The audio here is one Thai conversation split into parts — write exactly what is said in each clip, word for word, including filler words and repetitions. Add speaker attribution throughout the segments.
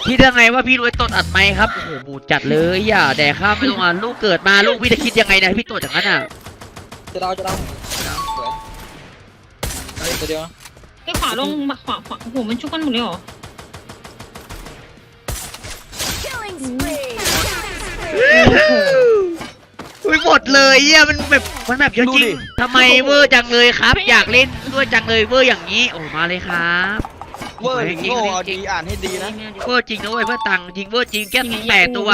Speaker 1: คิดยังไงว่าพี่รวยตดอัดไหมครับโอ้โหบูดจัดเลยอย่าแดกข้ามไม่ลงอ่ะลูกเกิดมาลูกพี่จะคิดยังไงนะพี่ตดอย่างนั้นอ่ะ
Speaker 2: จะเราจะเราสวยตัวเดียว
Speaker 3: ไอ้ขวาลงขวาขวาโอ้โหมันชุกกันหมดเลยเหรอ
Speaker 1: อุ้ยหมดเลยอ่ะมันแบบมันแบบเยอะจริงทำไมเวอร์จังเลยครับ อยากเล่นด้วยจังเลยเวอร์อย่างนี้โอ้มาเลยครับ
Speaker 2: เวอร์จริงโง่เอาดีอ่านให้ดีนะ
Speaker 1: เวอร์จริงนะเว้ยเพื่อตังจริงเวอร์จริงแก้แปดตัว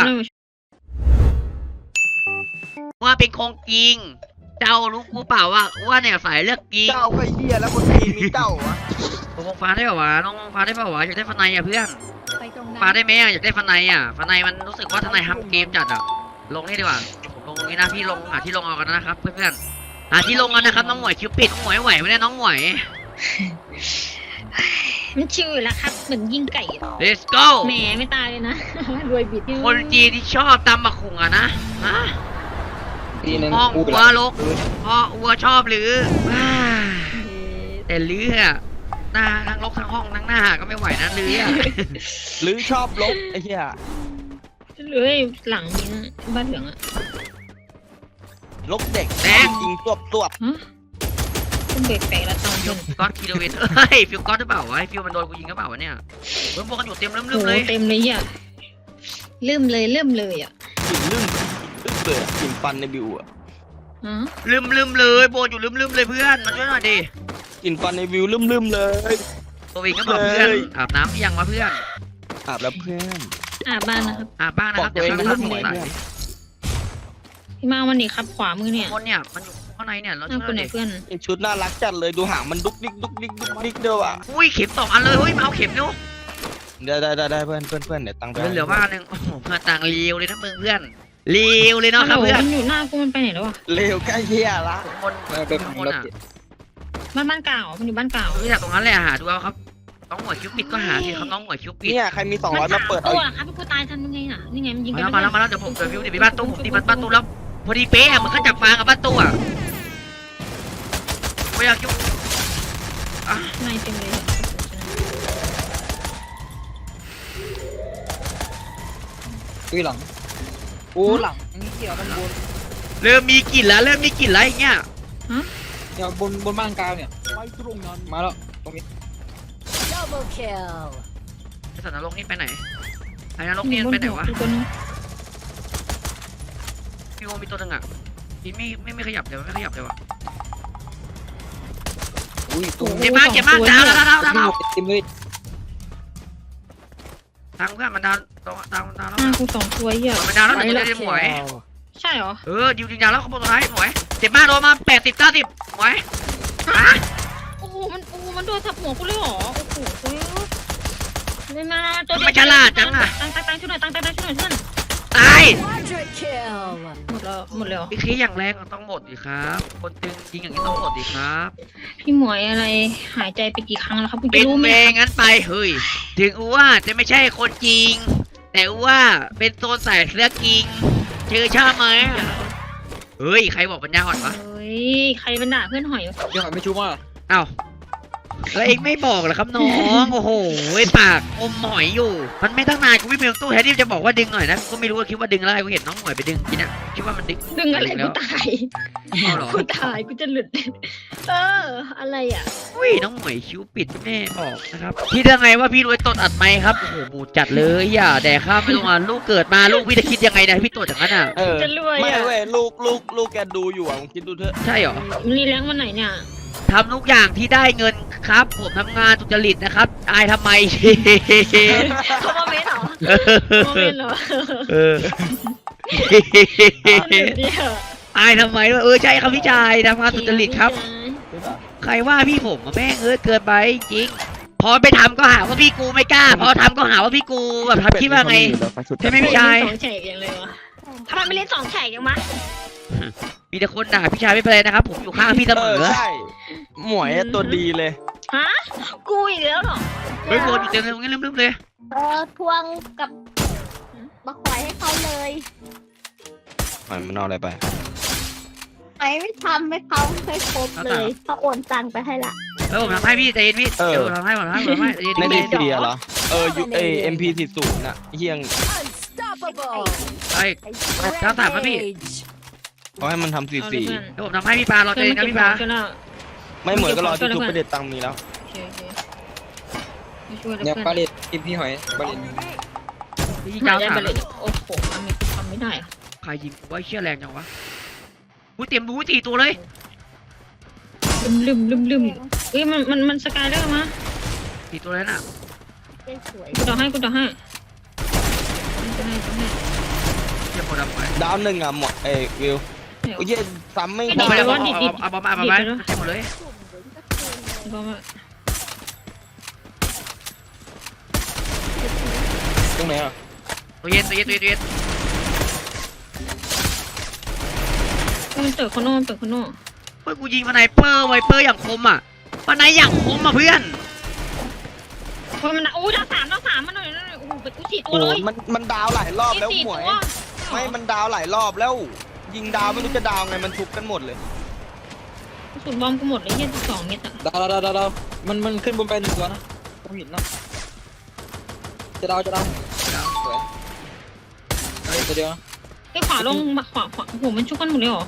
Speaker 1: ว่าเป็นคงจริงเจ้ารู้กูเปล่าว่าว่าเนี่ยสายเลือกจริง
Speaker 2: เจ้าก็เหี้ยแล้วคนทีมีเจ้าอะ
Speaker 1: ผมฟ้าได้ป่าวะน้องฟ้าได้ป่าวะอยากได้ฟันในอ่ะเพื่อนฟ้าได้ไหมอ่ะอยากได้ฟันในอ่ะฟันในมันรู้สึกว่าทนายทำเกมจัดอ่ะลงนี่ดีกว่าผมลงตรงนี้นะพี่ลงหาที่ลงเอากันนะครับเพื่อนๆหาที่ลงกันนะครับน้องหมวยคิวปิดน้องหมวยไหวไหมเนี่ยน้องหมวย
Speaker 3: มันชิวอยู่แล้วครับเหมือนยิงไก่
Speaker 1: let's go
Speaker 3: แหมไม่ตายเลยนะรวยบิด
Speaker 1: คนจีนที่ชอบตำบักหุ่งอะนะฮะพ่อวัวลกพ่อวัวชอบหรือแต่ลื้ออะหน้าทั้งลกทั้งห้องทั้งหน้าก็ไม่ไหวนะลื้ออะ
Speaker 2: ลื้อชอบลกไอ้เหี้ย
Speaker 3: เลยหลังนี้บ้านเหลืองอะ
Speaker 2: ลกเด็กแดงยิงตัวตัว
Speaker 3: ต้องเบรกแปลกแล้วต้อง
Speaker 1: ฟิวก๊อตคิโลเมตรเฮ้ยฟิวก๊อตหรือเปล่าวะฟิวมันโดนกูยิงหรือเปล่าวะเนี่ยเริ่มพวกกันอยู่เต็มเริ่มเริ่มเลย
Speaker 3: เต็มเลยอ่ะเริ่มเลยเริ่มเลยอ่ะ
Speaker 2: กินลืมลืมเลยกินฟันในบิวอ่ะ
Speaker 1: ลืมลืมเลยโบอยู่ลืมลืมเลยเพื่อนมาช่วยหน่อยดิ
Speaker 2: กินฟันในบิวลืมลืมเลย
Speaker 1: ตัวเองก็บอกเพื่อนอาบน้ำยังวะเพื่อน
Speaker 2: อาบแล้วเพื่อน
Speaker 3: อาบบ้านนะครับ
Speaker 1: อาบบ้านนะครับเดี๋ยวข้างหลัง
Speaker 3: พี่มาวันนี้ครับขวามือเนี่ย
Speaker 1: คนเนี่ยมันอยู่ข้างในเนี่ยเราช่วย
Speaker 3: เพื่อน
Speaker 2: ชุดน่ารักจัดเลยดูหางมันดุกดิกดุกดิกดุกดิกเดียวอ่ะ
Speaker 1: อุ้ยเข็มสองอันเลยเฮ้ยมาเอาเข็มเร็ว
Speaker 2: ได้ได้ได้ได้เพื่อนเพื่อนเพื่อนเดี๋ยวตังค์ไป
Speaker 1: เหลือบ้านหนึ่งโอ้โหเพื่อนตังค์เลี้ยวเลยนะมึงเพื่อนเลี้ยวเลยเนาะครับเพื่อน
Speaker 3: มันอยู่หน้ากูมันไปไหนแล้ววะ
Speaker 2: เลี้ยวใกล้เหี้ยละ
Speaker 1: คนคนอ่ะ
Speaker 3: บ้านบ้านเก่ามันอยู่บ้านเก่า
Speaker 1: ไม่อยากตรงนั้นเลยหาดูเอาครับน้องหมวยคิวปิดก็หาสิครับน้องหมวยคิวปิด
Speaker 2: เนี่ยใครมีสองร้อยมาเปิดเอา
Speaker 3: ครับพี่กูตายทันยังไงน่ะนี่ไงมันยิง
Speaker 1: มาแล้วมาแล้วเดี๋ยวผมเจอวิวเดี๋ยวไปบ้านตู้ผมตีบ้านตู้แล้วพอดีเป๊ะมันก็จับฟางกับบ้านตู้อ่ะไม่อยากยุ่ง
Speaker 3: อ่ะไม่เต็มเลย
Speaker 2: อุ้ยหลังโอ้หลังนี่เกี่ยวมันบน
Speaker 1: เริ่มมีกลิ่นแล้วเริ่มมีกลิ่นแล้วอย่างเงี้ย
Speaker 3: ฮะ
Speaker 2: เดี๋ยวบนบนบ้านกลางเนี่ยไปตรงนั้นมาแล้วตรงนี้
Speaker 1: double kill ไอ้สัตว์นรกนี่ไปไหนไอ้นรกนี่ไปไหนวะพี่โอมีตัวหนึ่งอ่ะพี่ไม่ไม่ไม่ขยับเลยวไม่ขยับเลยวะเจ็บมากเจ็บมากดาวดาวดาวดาวดาว
Speaker 2: เต็มเลย
Speaker 1: ทางเพื่อนมันดาวดาวดาวดาวแล้ว
Speaker 3: กูสองตัวเหี้ย
Speaker 1: มันดาวแล้วเดี๋ยวจะหมวย
Speaker 3: ใช่เหรอ
Speaker 1: เออดิวดิวดาวแล้วเขาบอกตัวไหนหมวยเจ็บมากโดนมาแปดสิบเก้าสิบหมวย
Speaker 3: โอ้โหมันโอ้มันโดนทับหัวกูเลยเหรอโอ้โหไม่มา
Speaker 1: ตัวไม่ฉลาดจังอ่ะ
Speaker 3: ตั้งตั้งตั้งช่วยหน่อยตั้งตั้งตั้งช่วยหน่อยเพื่อน
Speaker 1: ตาย
Speaker 3: หมดแล้วหมดแล้ว
Speaker 1: พี่คีอย่างแรงต้องหมดดิครับคนตึงจริงอย่างนี้ต้องหมดดิครับ
Speaker 3: พี่หมวยอะไรหายใจไปกี่ครั้งแล้วครับคุณ
Speaker 1: เป็นเมงงั้นไปเฮ้ยถึงว่าจะไม่ใช่คนจริงแต่ว่าเป็นโซนใส่เสื้อจริงเจอชอบไหมเฮ้ยใครบอกปัญญาอ่อนวะ
Speaker 3: เฮ้ยใครบรรดาเพื่อนหอย
Speaker 2: ยังหอยไม่ชูมา
Speaker 1: อ้าวแล้วเองไม่บอกเหรอครับน้องโอ้โหปากอมหอยอยู่มันไม่ตั้งนานกูไม่เพียงตู้แทนที่จะบอกว่าดึงหน่อยนะก็ไม่รู้ว่าคิดว่าดึงอะไรกูเห็นน้องหอยไปดึงกินอ่ะคิดว่ามันดึง
Speaker 3: ดึงอะไรกูตายกูตายกูจะหลุดเอออะไรอ่ะ
Speaker 1: อุ้ยน้องหอยคิ้วปิดแม่บอกนะครับคิดยังไงว่าพี่รวยตดอัดไหมครับโอ้โหบูดจัดเลยอย่าแดกข้ามไม่ลงอ่ะลูกเกิดมาลูกพี่จะคิดยังไงนะพี่ตดอย่างนั้นอ่ะ
Speaker 3: จะรวย
Speaker 2: ไม่เว้ยลูกลูกลูกแกดูอยู่อ่ะมึงคิดดูเถอะ
Speaker 1: ใช่เหรอ
Speaker 3: มีแรงวันไหนเนี่ย
Speaker 1: ทำทุกอย่างที่ได้เงินครับผมทำงานสุจริตนะครับอายทำไม
Speaker 3: เขามาเมนเหรอมาเมนเหรอเออ
Speaker 1: อายทำไมวะเออใช่ครับพี่ชายทำงานสุจริตครับใครว่าพี่ผมแม่งเออเกินไปจริงพอไปทำก็หาว่าพี่กูไม่กล้าพอทำก็หาว่าพี่กูแบบทำคิดว่าไงใช่ไหมพี่ชาย
Speaker 3: สองแฉกอย่างเลยวะทำไมไม่เล่นสองแฉกยังมะ
Speaker 1: มีแต่คนด่าพี่ชายไม่เป็นไรนะครับผมอยู่ข้างพี่เสมอ
Speaker 2: ใช่หมวยตัวดีเลย
Speaker 3: ฮะกูอีกแล้วเหรอ
Speaker 1: เฮ้ยโดนอยู่เต็มเลยงั้นลืมๆเลย
Speaker 4: เออทวงกับมาขอยให้เขาเลย
Speaker 2: มันมันเอาอะไรไป
Speaker 4: ไอ้ไม่ทำไม่เขาให้ครบเลยเขาโอนตังไปให้ละ
Speaker 1: เออผมทำให้พี่ใจเย็นพี่เดี๋ยวทำให้ผมทำให้ผมทำให้
Speaker 2: ในดีเสียเหรอ
Speaker 5: เออยูเอเอ็มพีสี่ศูนย์น่ะเฮียง
Speaker 1: ไอ้ถ้าถามมาพี่
Speaker 5: เขาให้มันทำสี่สี่
Speaker 1: เดี๋ยวผมทำให้พี่ปลารอเจอกันพี่ปลา
Speaker 3: ช่วยแล้ว
Speaker 5: ไม่เหมือนก็รอที่ทุบประเด็ดตังค์มีแล้ว
Speaker 3: โอเคโอเคไม่ช่วยแล้ว
Speaker 2: เนี่ย
Speaker 3: เพื่อน
Speaker 2: ปลาเล็ดทีมพี่หอยปลาเล็ด
Speaker 1: พี่
Speaker 3: หา
Speaker 1: เจ้าย
Speaker 3: ได้
Speaker 1: ถาม
Speaker 3: ไปเลยโอ้โหทำไม่ทำไม่ได้อะ
Speaker 1: ใครยิงไว้เชี่ยแรงจังวะอุ้ยเตรียมบูสี่ตัวเลย
Speaker 3: ลืมลืมลืมลืมเอ้ยมันมันมันสกายได้มา
Speaker 1: สี่ตัวเลยน่ะ
Speaker 4: เป็นสวย
Speaker 3: กูต่อให้กูต่อให้กูให้กูให้
Speaker 1: เชี่ยโคดำไป
Speaker 5: ดาวหนึ่งอ่ะหมดเอ้ยวิว
Speaker 3: เดี๋ยว
Speaker 5: โอ้ยซ้ำไม่
Speaker 1: เอาไป
Speaker 5: ได้
Speaker 1: เอาเอาเอาบอลมาเอาบอลมาเจ็บหมดเลย
Speaker 3: ก็มา
Speaker 2: ตรงไหนอ่ะ
Speaker 1: ตัวเย็นตัวเย็นตัวเย็นตัวเย็น
Speaker 3: มันเปิดคอนโน่มันเปิดคอนโน่
Speaker 1: เฮ้ยกูยิงฟันไนเปอร์ไวเปอร์อย่างคมอ่ะฟันไนอย่างคมอ่ะเพื่อน
Speaker 3: เพราะมันโอ้ดาวสามดาวสามมันหน่อยหน่อยโอ้โหเป็นกูสี่ตัว
Speaker 5: โอ้
Speaker 3: เลย
Speaker 5: มันมันดาวหลายรอบแล้ว
Speaker 3: สี่
Speaker 5: หมวย
Speaker 3: ตัว
Speaker 5: ไม่มันดาวหลายรอบแล้ว ยิงดาวไม่รู้จะดาวไงมันทุบกันหมดเลย
Speaker 3: กระสุนบอมกูหมดเลยยี่สิบสองเม็ดอะ
Speaker 2: ดาวดาวดาวดาวมันมันขึ้นบนไปหนึ่งตัวนะผมเห็นนะจะดาวจะดาวสวยเฮ้ยตัวเดียวนะ
Speaker 3: ไอ้ขวาลงมาขวาขวาโอ้โหมันชุกกันหมดเลยเหรอ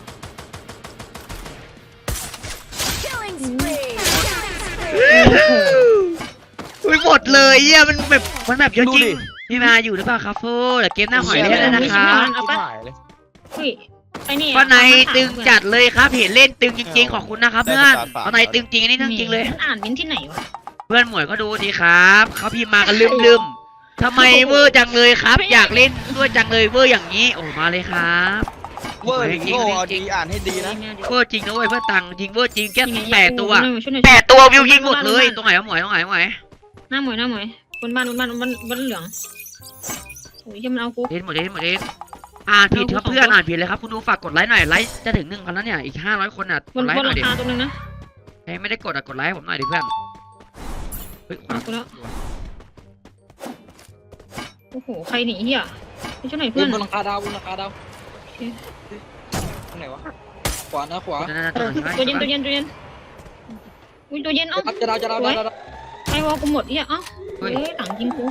Speaker 1: อุ้ยหมดเลยเยี่ยมันแบบมันแบบเยอะจริงพี่มาอยู่หรือเปล่าครับฟูแต่เกมหน้าหอยได้แล้วนะครับ
Speaker 3: เอาปะ
Speaker 5: หายเลย
Speaker 3: เฮ้ยไอ้นี่
Speaker 1: ฟันไนตึงจัดเลยครับเห็นเล่นตึงจริงๆขอบคุณนะครับเพื่อนฟันไนตึงจริงอันนี้ตึงจริงเลย
Speaker 3: มันอ่านเม้นที่ไหนวะ
Speaker 1: เพื่อนหมวยก็ดูดีครับเขาพิมพ์มากันลืมๆทำไมเวอร์จังเลยครับ อยากเล่นด้วยจังเลยเวอร์อย่างนี้โอ้มาเลยครับ
Speaker 5: เวอร์หรือโง่เอาดีอ่านให้ดีนะ
Speaker 1: เวอร์จริงนะเว้ยเพื่อนตังจริงเวอร์จริงแค่แปดตัว
Speaker 3: ช่ยหน่อย
Speaker 1: แปดตัววิวยิงหมดเลยตรงไหนวะหมวยตรงไหนวะหมวย
Speaker 3: หน้าหมวยหน้าหมวยบนบ้านบนบ้านบนบนเหลืองโอ้ยยังมันเอากู
Speaker 1: เล่นหมดเล่นหมดเล่นอ่านผิดครับเพื่อนอ่านผิดเลยครับคุณดูฝากกดไลค์หน่อยไลค์จะถึงหนึ่งพันแล้วเนี่ยอีกห้าร้อยคนอ่ะก
Speaker 3: บน
Speaker 1: ดไล
Speaker 3: บ
Speaker 1: ค์
Speaker 3: น
Speaker 1: หน่
Speaker 3: รา
Speaker 1: อยดิ
Speaker 3: คาตัวนึงนะ
Speaker 1: ใครไม่ได้กดอ่ะกดไลค์ให้ผมหน่อยดิเพื่อนเฮ้ย
Speaker 3: เอากูแล้วโอ้โหใครหนีเหี้ยไม่ช่วยหน่อย
Speaker 2: เพื่
Speaker 3: เพื่
Speaker 2: อ
Speaker 3: อน น
Speaker 2: บนหลังคาดาวบนหลังคาดาวตรงไหนวะขวานะขวา
Speaker 3: ตัวเย็นตัวเย็นตัวเย็นอุ้ยตัวเย็นเอ้า
Speaker 2: จะดาวจะดาวจะดาว
Speaker 3: ไอ้วอลกูหมดเหี้ยเอ้าเฮ้ยหลังยิงกู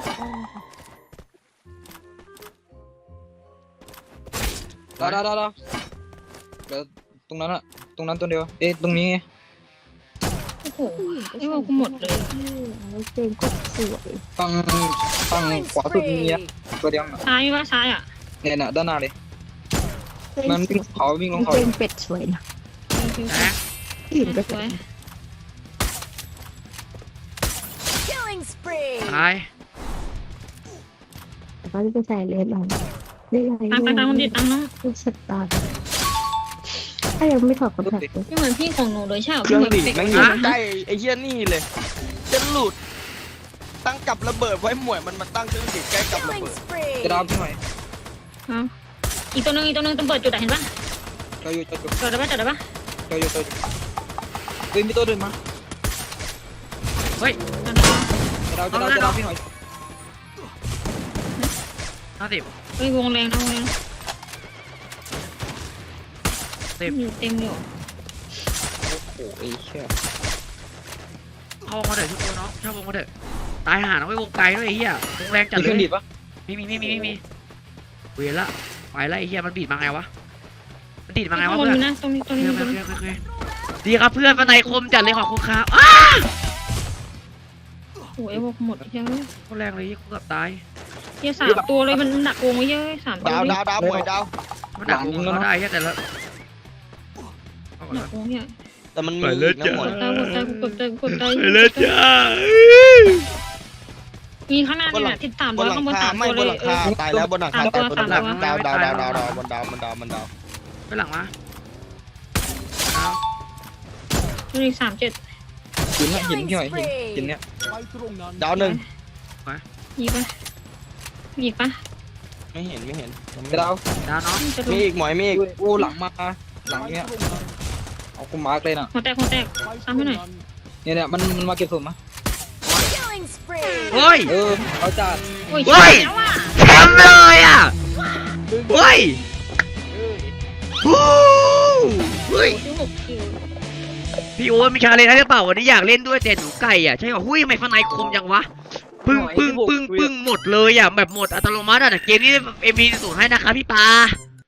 Speaker 2: ดาวดาวดาวดาวเดี๋ยวตรงนั้นอะตรงนั้นตัวเดียวเอ๊ะตรงนี้
Speaker 3: โอ้โหไอ้วอลกูหมดเลย
Speaker 4: เจนก็สวย
Speaker 2: ฝั่งฝั่งขวาสุดนี้อะตัวเดียวน่ะ
Speaker 3: ซ้ายว่าซ้ายอ่ะ
Speaker 2: เนี่ยน่ะด้านหน้าเลยมันวิ่งเขาวิ่งลงเขา
Speaker 4: เจนเป็ดสวยนะ
Speaker 1: แอะ
Speaker 4: อื่นก็
Speaker 3: ส
Speaker 4: ส
Speaker 3: ว
Speaker 4: วย ย
Speaker 1: ตาย
Speaker 4: แต่ก็จะไปใส่เลนเราได้ไร
Speaker 3: ตามไปตามคนเด็ดตามน้อง
Speaker 4: ลูกสตาร์ถ้ายังไม่ถอดคอนแทคเลย
Speaker 3: ไม่เหมือนพี่ของหนูเลยใช่ไหม
Speaker 5: เครื่องดีด
Speaker 3: พี่
Speaker 5: แม่งอยู่ใกล้ไอ้เหี้ยนี่เลยจะหลุดตั้งกับระเบิดไว้หมวยมันมาตั้งเครื่องดีดใกล้กับระเบิด
Speaker 2: จะดาวพี่หน่อย
Speaker 3: อีกตัวนึงอีกตัวนึงต้องเปิดจุดเห็นปะ
Speaker 2: เจออยู่เจออยู่
Speaker 3: จอดได้ปะจอดได้ปะ
Speaker 2: เจออยู่เจออยู่เฮ้ยมีตัวเดินมา
Speaker 1: เฮ้ย
Speaker 2: จะดาวจะดาวจะดาวพี่หน่อย
Speaker 1: ห้าสิบ
Speaker 3: เฮ้ยวงแรงนะวงแรง
Speaker 1: สิบ
Speaker 3: มีเต็มเลย
Speaker 2: โอ้ยเชี่ย
Speaker 1: เข้าวงมาเถอะทุกคนเนาะเข้าวงมาเถอะตายหาน้องไว้วงไกลด้วยไอ้เหี้ยวงแรงจัด
Speaker 2: มี
Speaker 1: เล
Speaker 2: เครื่อง
Speaker 1: ย
Speaker 2: ดีดปะ
Speaker 1: มีมีมีมีมีเวียนละไปละไอ้เหี้ยมันบีดมาไงวะมันดีดมาไงวะ
Speaker 3: ข้างบน
Speaker 1: เพื่อน
Speaker 3: มีนะตรงนี้ตรงนี้
Speaker 1: เพื่อน
Speaker 3: ตรง
Speaker 1: เพื่
Speaker 3: นี้
Speaker 1: อนเพื่อนเพื่อนดีครับเพื่อนฟันไนคมจัดเลยขอบคุณครับอ้า
Speaker 3: โอ้ยพวกหมดเยอะ
Speaker 1: โคตรแรงเลยกูเกือบตาย
Speaker 3: เยอะสามตัวเลยมันหนักวงไว้เยอะสามตัว
Speaker 5: ดาวดาวดาวหมวยดาว
Speaker 1: มันดักวงเขาได้แค่แต่ละเอาก่อน
Speaker 3: หนั
Speaker 1: นะ
Speaker 3: กวงเนี่ย
Speaker 5: แต่มันมีอีกนะหมวย
Speaker 3: ตายกดตายกดตายกดตาย
Speaker 1: ไปเลยจ้า
Speaker 3: มีข้างหน้านี่แหละทิศสาม
Speaker 5: บ
Speaker 3: ร้
Speaker 5: น
Speaker 3: อย
Speaker 5: หลั
Speaker 3: ข้าง งบน
Speaker 5: คา
Speaker 3: สาม
Speaker 5: ไม่
Speaker 3: ตัว
Speaker 5: บ
Speaker 3: เล
Speaker 5: น
Speaker 3: ย
Speaker 5: หลัง
Speaker 3: เออ
Speaker 5: คาตายแล้วบนหลังคา
Speaker 3: สามตั
Speaker 5: ตายว บนหลังคา
Speaker 3: สามตัว
Speaker 5: ดาวดาวดาวดาวดาวมันดาวมันดาวมันดาว
Speaker 1: ไปหลังมาเอา
Speaker 3: นี่สามเจ็ด
Speaker 2: หินอะหินพี่หน่อยหินหินเนี้ย
Speaker 5: ดาวหนึ่ง
Speaker 3: ยีปะยีปะ
Speaker 5: ไม่เห็นไม่เห็น
Speaker 2: จะดาว
Speaker 1: ดาวน้อง
Speaker 3: จะโด
Speaker 5: มี
Speaker 3: น
Speaker 5: อีกหมวยมีอีก
Speaker 2: โอ้หลังมาหลังเนี้ยเอากูมาร์กเลยน่ะ
Speaker 3: หัวแตกหัวแตกซ้ำให้หน่อย
Speaker 2: เนี่ยเนี่ยมันมันมาเก็บศพมา
Speaker 1: เฮ้ย
Speaker 2: เออเอาจัด
Speaker 3: โอ้ย
Speaker 1: เฮ้ย
Speaker 3: แล้วอ่ะ
Speaker 1: แชมป์เลยอ่ะเฮ้ยฮู้เฮ้ย
Speaker 3: ที่หกคิว
Speaker 1: พี่โอ๊ตมีชาเลนจ์ให้หรือเปล่าวันนี้อยากเล่นด้วยแต่หนูไก่อ่ะใช่ป่ะหุ้ยทำไมฟันไนคมจังวะปึ้งปึ้งปึ้งปึ้งหมดเลยอ่ะแบบหมดอัตโนมัติอ่ะแต่เกมนี้ เอ็ม พี ศูนย์ให้นะคะพี่ปา